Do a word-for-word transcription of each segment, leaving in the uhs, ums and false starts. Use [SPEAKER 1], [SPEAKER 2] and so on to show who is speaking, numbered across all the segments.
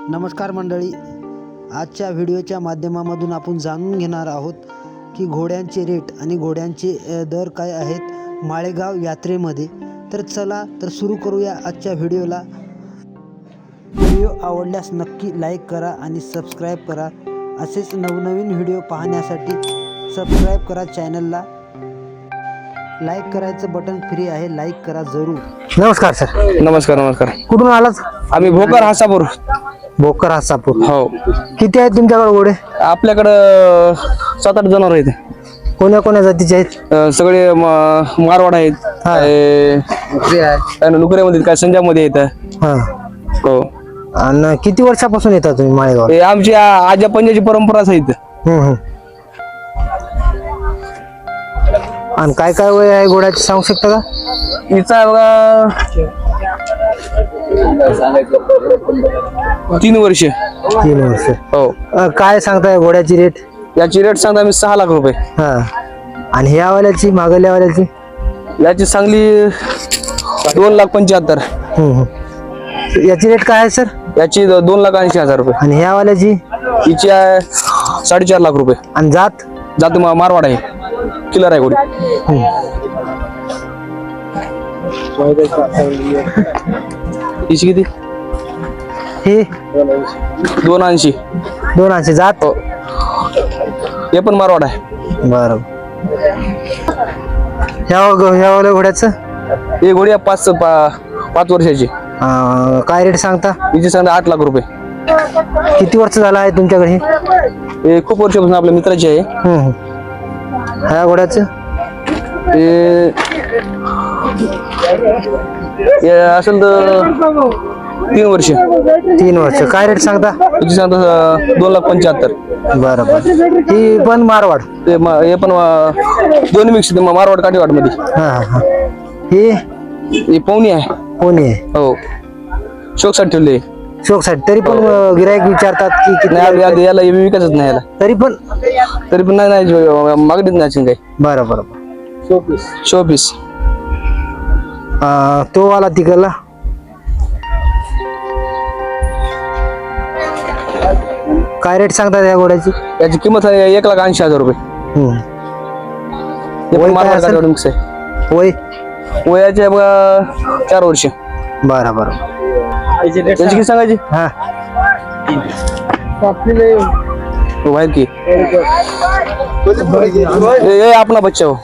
[SPEAKER 1] नमस्कार मंडळी, आजच्या व्हिडिओच्या माध्यमामधून आपण जाणून घेणार आहोत की घोड्यांचे रेट आणि घोड्यांचे दर काय आहेत माळेगाव यात्रेमध्ये। तर चला तर सुरू करूया आजच्या व्हिडिओला। व्हिडिओ आवडल्यास नक्की लाईक करा आणि सबस्क्राईब करा। असेच नवनवीन व्हिडिओ पाहण्यासाठी सबस्क्राईब करा चॅनलला। लाईक करायचं बटन फ्री आहे, लाईक करा जरूर।
[SPEAKER 2] नमस्कार सर।
[SPEAKER 3] नमस्कार नमस्कार।
[SPEAKER 2] कुठून आलात?
[SPEAKER 3] आम्ही भोकर हासापूर।
[SPEAKER 2] भोकर हासापूर।
[SPEAKER 3] हो।
[SPEAKER 2] किती आहेत तुमच्याकडे घोडे?
[SPEAKER 3] आपल्याकडं सात आठ जनावर आहेत।
[SPEAKER 2] कोण्या कोण्या जातीचे आहेत?
[SPEAKER 3] अं, सगळे म- मारवाड आहेत, काय नुकऱ्यामध्ये काय संजामध्ये आहेत।
[SPEAKER 2] हा।
[SPEAKER 3] हो।
[SPEAKER 2] आणि किती वर्षापासून येतात तुम्ही माळेगाव?
[SPEAKER 3] हे आमची आ- आजा पंजाची परंपराच आहेत।
[SPEAKER 2] हम्म हम्म। आणि काय काय वय आहे घोड्याचे सांगू शकता का?
[SPEAKER 3] हिचा बघा तीन वर्ष।
[SPEAKER 2] तीन वर्ष।
[SPEAKER 3] हो।
[SPEAKER 2] अं, काय सांगताय घोड्याची रेट?
[SPEAKER 3] याची रेट सांगता आम्ही सहा लाख रुपये।
[SPEAKER 2] हा। आणि ह्या वाल्याची मागल्या वाल्याची?
[SPEAKER 3] याची चांगली दोन लाख पंच्याहत्तर।
[SPEAKER 2] हम्म हम्म। याची रेट काय आहे सर?
[SPEAKER 3] याची द- दोन लाख ऐंशी हजार रुपये।
[SPEAKER 2] आणि ह्या वाल्याची?
[SPEAKER 3] हिची आहे साडेचार लाख रुपये।
[SPEAKER 2] आणि जात?
[SPEAKER 3] जात मा- मारवाड आहे, किलर आहे घोडी।
[SPEAKER 2] हम्म।
[SPEAKER 3] हिची किती?
[SPEAKER 2] हे
[SPEAKER 3] दोन ऐंशी।
[SPEAKER 2] दोन ऐंशी। जात?
[SPEAKER 3] हो। हे पण मारवाड आहे।
[SPEAKER 2] बरं। ह्या ह्या वाल्या घोड्याचं?
[SPEAKER 3] ही घोडी आहे पाच पा- पाच वर्षाची।
[SPEAKER 2] अं, काय रेट सांगता?
[SPEAKER 3] हिची सांगता आठ लाख रुपये।
[SPEAKER 2] किती वर्ष झालं आहे तुमच्याकडे?
[SPEAKER 3] हे खूप वर्षापासून आपल्या मित्राची आहे।
[SPEAKER 2] हम्म हम्म। ह्या घोड्याचं?
[SPEAKER 3] हे हे असेल तर तीन वर्ष।
[SPEAKER 2] तीन वर्ष। काय रेट सांगता?
[SPEAKER 3] हिची सांगता अं, दोन लाख पंच्याहत्तर।
[SPEAKER 2] बरं बरं। ही पण मारवाड?
[SPEAKER 3] ते म- हे पण अं, दोन्ही मिक्स आहेत, मारवाड काठीवाड मध्ये।
[SPEAKER 2] हा हा हा। ही
[SPEAKER 3] हे पवनी आहे।
[SPEAKER 2] कोणी आहे?
[SPEAKER 3] हो। शोकसाठी ठेवले।
[SPEAKER 2] शोकसाठी? तरी पण गिराईक विचारतात की किती?
[SPEAKER 3] नाही याला- याला हे विकायचंच नाही याला।
[SPEAKER 2] तरी पण?
[SPEAKER 3] तरी पण नाही नाही मागणीच नाही असेल काही।
[SPEAKER 2] बरं बरं बरं।
[SPEAKER 3] Show piece.
[SPEAKER 2] अं, तो वाला तिकडला? काय रेट सांगतात या घोड्याची?
[SPEAKER 3] याची किंमत आहे एक लाख ऐंशी हजार रुपये।
[SPEAKER 2] हम्म।
[SPEAKER 3] हे
[SPEAKER 2] वय
[SPEAKER 3] पण
[SPEAKER 2] काय
[SPEAKER 3] मारवाड
[SPEAKER 2] असेल?
[SPEAKER 3] काठीवाड मिक्स आहे।
[SPEAKER 2] वय?
[SPEAKER 3] वयाचे बघा चार वर्ष।
[SPEAKER 2] बरं बरं।
[SPEAKER 3] त्याची किती सांगायची?
[SPEAKER 2] हा।
[SPEAKER 3] हो बाहेर की ये- ये अपना बच्चा हो।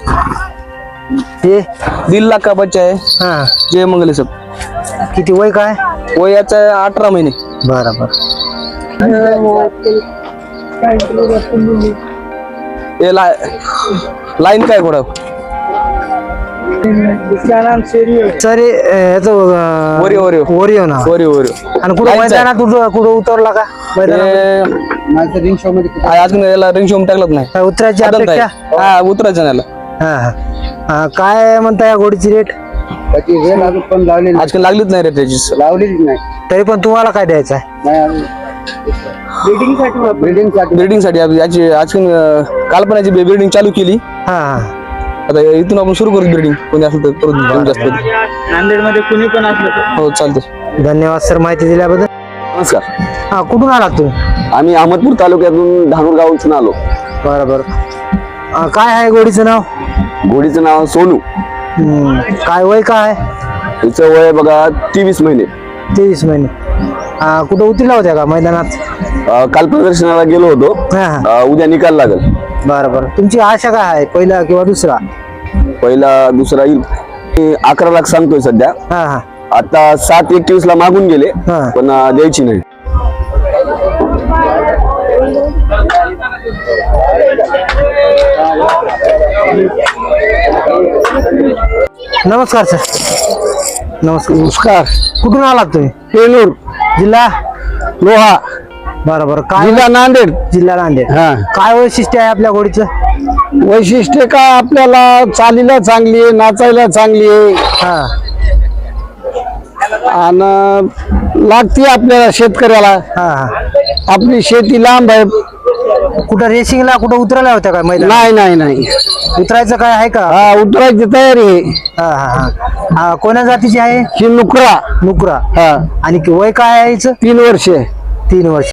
[SPEAKER 2] हे?
[SPEAKER 3] दीड लाख का बच्चा है,
[SPEAKER 2] हा।
[SPEAKER 3] जय मंगल सब।
[SPEAKER 2] किती वय काय?
[SPEAKER 3] वयाचा आहे अठरा महिने।
[SPEAKER 2] बरं बरं।
[SPEAKER 3] ये ला लाईन काय घोडा?
[SPEAKER 2] सर याचं
[SPEAKER 3] ओरिओ ओरिओ
[SPEAKER 2] ओरिओ ना?
[SPEAKER 3] Oreo Oreo.
[SPEAKER 2] आणि कुठं मैदानात कुठं कुठं उतरला का मैदानात?
[SPEAKER 3] हे रिंग शो मध्ये अजून याला रिंग शो टाकलंच नाही।
[SPEAKER 2] काय उतरायची
[SPEAKER 3] आदत
[SPEAKER 2] अपेक्षा?
[SPEAKER 3] आहे. हा उतरायचं नाही याला।
[SPEAKER 2] हा हा हा, काय म्हणता या घोडीची रेट?
[SPEAKER 3] आजकाल लागलीच नाही रे त्याची।
[SPEAKER 4] लावलेलीच नाही.
[SPEAKER 2] तरी पण तुम्हाला काय द्यायचं आहे?
[SPEAKER 4] ब्रिडिंग साठी
[SPEAKER 3] ब्रिडिंग साठी आप- याची आजकाल कालपणाची ब्रिडिंग चालू केली।
[SPEAKER 2] हा हा।
[SPEAKER 3] आता इथून आपण सुरू करू ब्रिडिंग, कोणी असेल तर करू देऊ जास्त।
[SPEAKER 4] नांदेड मध्ये कुणी पण असलं
[SPEAKER 3] हो चालते।
[SPEAKER 2] धन्यवाद सर माहिती दिल्याबद्दल।
[SPEAKER 5] नमस्कार।
[SPEAKER 2] हा, कुठून आलात तुम्ही?
[SPEAKER 5] आम्ही अहमदपूर तालुक्यातून धानूर गावातून आलो।
[SPEAKER 2] बरं बरं। अं, काय आहे घोडीचं नाव?
[SPEAKER 5] घोडीचं नाव सोनू।
[SPEAKER 2] हम्म, काय वय काय आहे?
[SPEAKER 5] हिचं वय बघा तेवीस महिने।
[SPEAKER 2] तेवीस महिने। अं, कुठं उतरला होत्या का मैदानात?
[SPEAKER 5] अं, काल प्रदर्शनाला गेलो होतो।
[SPEAKER 2] हा हा।
[SPEAKER 5] अं, उद्या निकाल लागल।
[SPEAKER 2] बरं बरं। तुमची आशा काय आहे, पहिला किंवा दुसरा?
[SPEAKER 5] पहिला दुसरा येईल। मी अकरा लाख सांगतोय सध्या।
[SPEAKER 2] हा हा
[SPEAKER 5] आता सात एकवीस ला मागून गेले,
[SPEAKER 2] हा.
[SPEAKER 5] पण अं, द्यायची नाही।
[SPEAKER 2] नमस्कार सर। नमस्कार।
[SPEAKER 5] नमस्कार।
[SPEAKER 2] कुठून आलात तुम्ही?
[SPEAKER 5] पेलूर
[SPEAKER 2] जिल्हा?
[SPEAKER 5] लोहा
[SPEAKER 2] बरं बरं। काय
[SPEAKER 5] जिल्हा नांदेड।
[SPEAKER 2] जिल्हा नांदेड।
[SPEAKER 5] हा।
[SPEAKER 2] काय वैशिष्ट्य आहे आपल्या घोडीचं?
[SPEAKER 5] वैशिष्ट्य का आपल्याला चालीला चांगली आहे, नाचायला चांगली आहे
[SPEAKER 2] हा
[SPEAKER 5] आणि लागते आपल्याला शेतकऱ्याला।
[SPEAKER 2] हा हा।
[SPEAKER 5] आपली शेती लांब आहे।
[SPEAKER 2] कुठं रेसिंगला कुठं उतरल्या होत्या काय मैदान?
[SPEAKER 5] नाही नाही नाही
[SPEAKER 2] उतरायचं काय आहे का?
[SPEAKER 5] हा उतरायची तयारी आहे।
[SPEAKER 2] हा हा हा।
[SPEAKER 1] हा कोण्या जातीची आहे?
[SPEAKER 5] ही नुकरा
[SPEAKER 1] नुकरा.
[SPEAKER 5] हा
[SPEAKER 1] आणि वय काय आहे हिचं?
[SPEAKER 5] तीन वर्षे
[SPEAKER 1] तीन वर्ष